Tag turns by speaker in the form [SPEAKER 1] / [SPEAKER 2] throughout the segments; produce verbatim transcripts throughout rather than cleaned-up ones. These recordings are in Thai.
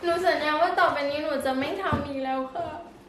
[SPEAKER 1] หนูสัญญาว่าต่อไปนี้หนูจะไม่ทำอีกแล้วค่ะ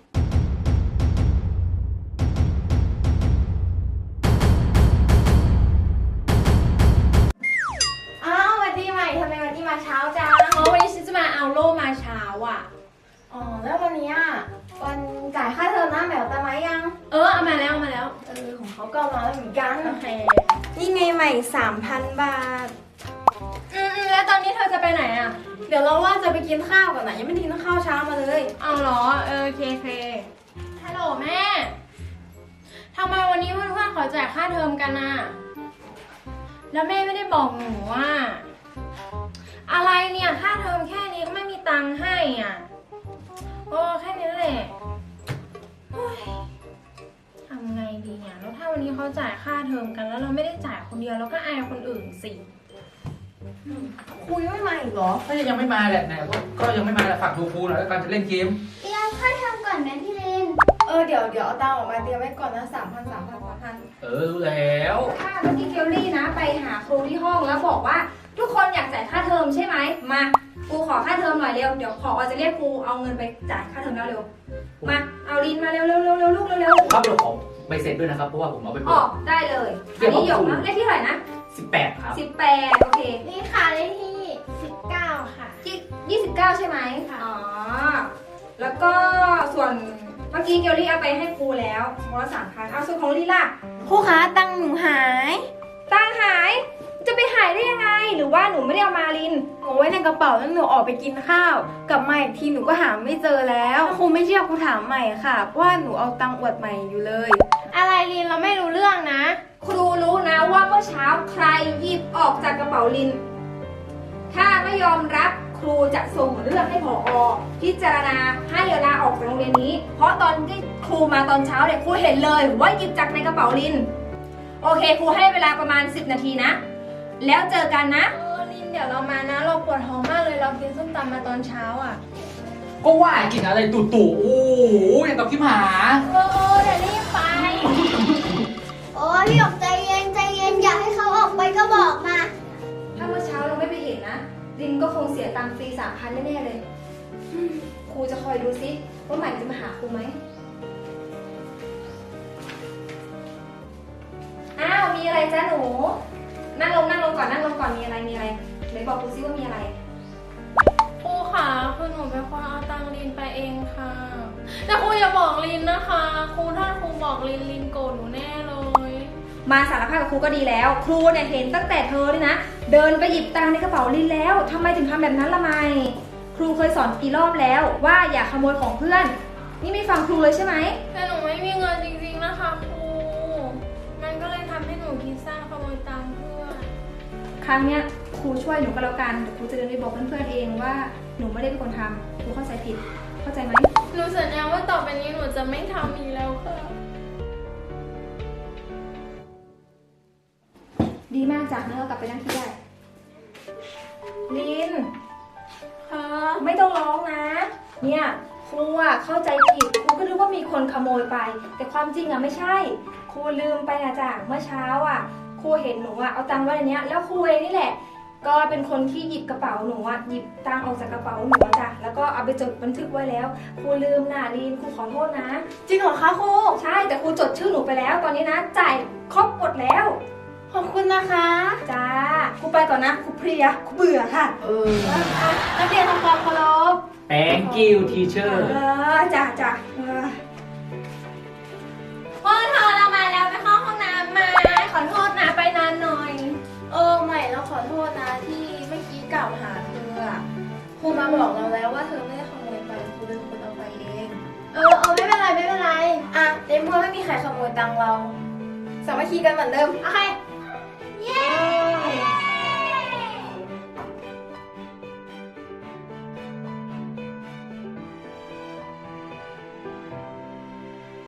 [SPEAKER 2] อ้าววันที่ใหม่ทำไมวันที่มาเช้าจัง
[SPEAKER 1] อ๋อวันนี้ฉันจะมาเอาโล่มาเช้าอ่ะ
[SPEAKER 2] อ๋อแล้ววันนี้อ่ะวันจ่ายค่าเทอมหน้าแมวตาไหมยัง
[SPEAKER 1] เออเอามาแล้วเอามาแล้ว
[SPEAKER 2] เออของเขาก็เอามาแล้วเหมือนกัน
[SPEAKER 1] โอเค
[SPEAKER 2] นี่ไงใหม่สามพันบาท
[SPEAKER 1] อืมๆแล้วตอนนี้เธอจะไปไหนอ่ะ
[SPEAKER 2] เดี๋ยวเราว่าจะไปกินข้าวก่อนนะยังไม่ได้กินข้าวเช้ามาเลย
[SPEAKER 1] เอาเหรอเออโอเคโอเคฮัลโหลแม่ทำไมวันนี้เพื่อนๆขอจ่ายค่าเทอมกันอ่ะแล้วแม่ไม่ได้บอกหนูว่าอะไรเนี่ยค่าเทอมแค่นี้ก็ไม่มีตังค์ให้อ่ะโอ้แค่นี้แหละโอ๊ยทำไงดีเนี่ยแล้วถ้าวันนี้เขาจ่ายค่าเทอมกันแล้วเราไม่ได้จ่ายคนเดียวเราก็อายคนอื่นสิ
[SPEAKER 2] คุยไม่มาอีกเหรอ
[SPEAKER 3] ถ้ายังไม่มาแหละเนี่ยก็ก็ยังไม่มาแหละฝากดูครูหน่อยแล้วกันจะเล่นเกม
[SPEAKER 4] เตรียมค่าเทอมก่อนนะพี่เลน
[SPEAKER 2] เออเดี๋ยวเดี๋ยวเอาตังค์ออกมาเตรียมไว้ก่อนนะสามพันสามพันสามพัน
[SPEAKER 3] เออรู้แล้ว
[SPEAKER 5] ถ้าเมื่อกี้เกลลี่นะไปหาครูที่ห้องแล้วบอกว่า ทุกคนอยากจ่ายค่าเทอมใช่ไหมมาครูขอค่าเทอมหน่อยเร็วเดี๋ยวพอจะเรียกครูเอาเงินไปจ่ายค่าเทอมแล้วเร็วมาเอาลินมาเร็วเร็วเร็วเร็วลูกเร็วเร็ว
[SPEAKER 3] ครับเดี๋ยวขอใบเสร็จด้วยนะครับเพราะว่าผมเอาไป
[SPEAKER 5] อ
[SPEAKER 3] เปิ
[SPEAKER 5] อ
[SPEAKER 3] ด
[SPEAKER 5] กได้เลยอันนี้หยกนะเลขที่เท่าไหร่นะ
[SPEAKER 3] สิบแปดครับ
[SPEAKER 5] สิบแปดโอเค
[SPEAKER 2] นี่ค่ะเลขที่สิบเก้าค่ะ
[SPEAKER 5] ที่ยี่สิบเก้าใช่ไหมอ๋อแล้วก็ส่วนเมื่อกี้เกลลี่เอาไปให้ครูแล้วคนละสามพันเอาส่วนของลินล่ะ
[SPEAKER 2] ครูคะตังค์หนูหาย
[SPEAKER 5] ตังค์หายจะไปหายได้ยังไง หรือว่าหนูไม่ได้เอามาลิน
[SPEAKER 2] หนูไว้ในกระเป๋าแล้วหนูออกไปกินข้าวกลับมาอีกทีหนูก็หาไม่เจอแล้วครูไม่เชื่อครูถามใหม่ค่ะเพราะว่าหนูเอาตังค์อวดใหม่อยู่เลย
[SPEAKER 1] อะไรลินเราไม่รู้เรื่องนะ
[SPEAKER 5] ครูรู้นะว่าเมื่อเช้าใครหยิบออกจากกระเป๋าลิน ถ้าไม่ยอมรับครูจะส่งเรื่องให้ผอพิจารณาให้ลาออกจากโรงเรียนนี้ เพราะตอนที่ครูมาตอนเช้าเนี่ยครูเห็นเลยว่าหยิบจากในกระเป๋าลิน โอเคครูให้เวลาประมาณสิบนาทีนะ แล้วเจอกันนะ
[SPEAKER 1] เออลินเดี๋ยวเรามานะเราปวดท้องมากเลยเรากินส้มตำมาตอนเช้าอ่ะ
[SPEAKER 3] ก็ว่ากินอะไรตู่ตู่โอ้โหอย่างกับขี้หมา
[SPEAKER 1] เออเออเดี๋ยวรีบไป
[SPEAKER 4] โอ้ยพี่หยกใจเย็นใจเย็นอยากให้เขาออกไปก็บอกมา
[SPEAKER 5] ถ้าเมื่อเช้าเราไม่ไปเห็นนะลินก็คงเสียตังค์ฟรีสามพันแน่ๆเลยอืมครูจะคอยดูซิว่าใหม่จะมาหาครูไหมอ้าวมีอะไรจ้าหนู นั่งลงนั่งลงก่อนนั่งลงก่อนมีอะไรมีอะไรไหนบอกครูซิว่ามีอะไร
[SPEAKER 1] ครูค่ะคือหนูเป็นคนเอาตังค์ลินไปเองค่ะแต่ครูอย่าบอกลินนะคะครูถ้าครูบอกลินลินโกรธหนูแน่เลย
[SPEAKER 5] มาสารภาพกับครูก็ดีแล้ว ครูเนี่ยเห็นตั้งแต่เธอเลยนะ เดินไปหยิบตังค์ในกระเป๋าลินแล้วทำไมถึงทำแบบนั้นละไมครูเคยสอนกี่รอบแล้วว่าอย่าขโมยของเพื่อน นี่ไม่ฟังครูเลยใช่ไหม
[SPEAKER 1] แต่หนูไม่มีเงินจริงๆนะคะครูมันก็เลยทำให้หนูคิดสั้นขโมยตังค์เพื่อน
[SPEAKER 5] ครั้งเนี้ยครูช่วยหนูก็แล้วกันเดี๋ยวครูจะเดินไปบอกเพื่อนๆเองว่าหนูไม่ได้เป็นคนทำครูเข้าใจผิดเข้าใจไหม
[SPEAKER 1] หนูสัญญาว่าต่อไปนี้หนูจะไม่ทำอีกแล้วค่ะ
[SPEAKER 5] ดีมากจากนั้นเรากลับไปนั่งที่ได้ลิน
[SPEAKER 1] ค่ะ
[SPEAKER 5] ไม่ต้องร้องนะ เนี่ยครูอะเข้าใจผิดครูก็รู้ว่ามีคนขโมยไป แต่ความจริงอะไม่ใช่ ครูลืมไปนะจ๊ะเมื่อเช้าอะครูเห็นหนูอะเอาตังค์ไว้ในเนี้ยแล้วครูเองนี่แหละ ก็เป็นคนที่หยิบกระเป๋าหนูอะหยิบตังค์ออกจากกระเป๋าหนูอะจ้ะแล้วก็เอาไปจดบันทึกไว้แล้วครูลืมนะลินครูขอโทษนะ
[SPEAKER 2] จริงเหรอคะครู
[SPEAKER 5] ใช่แต่ครูจดชื่อหนูไปแล้ว ตอนนี้นะจ่ายครบหมดแล้ว
[SPEAKER 2] ขอบคุณนะคะ
[SPEAKER 5] จ้าครูไปก่อนนะครูเพลียครูเบื่อค่ะ
[SPEAKER 3] เออ
[SPEAKER 2] อ่ะนักเรียนทำความเคารพ
[SPEAKER 3] thank you teacher
[SPEAKER 5] เออจ้าจ้าเออ
[SPEAKER 1] พ่อเธอเรามาแล้วไปเข้าห้องน้ำมาขอโทษนะไปนานหน่อย
[SPEAKER 2] เออใหม่เราขอโทษนะที่เมื่อกี้กล่าวหาเธออะครูมาบอกเราแล้วว่าเธอไม่ได้ขโมยไปครูเป็นคนเอาไปเอง เออเออไม่เป็นไรไม่เป็นไรอ่ะในเมื่อไม่มีใครขโมยตังค์เราสามัคคีกันเหมือนเดิมโอเค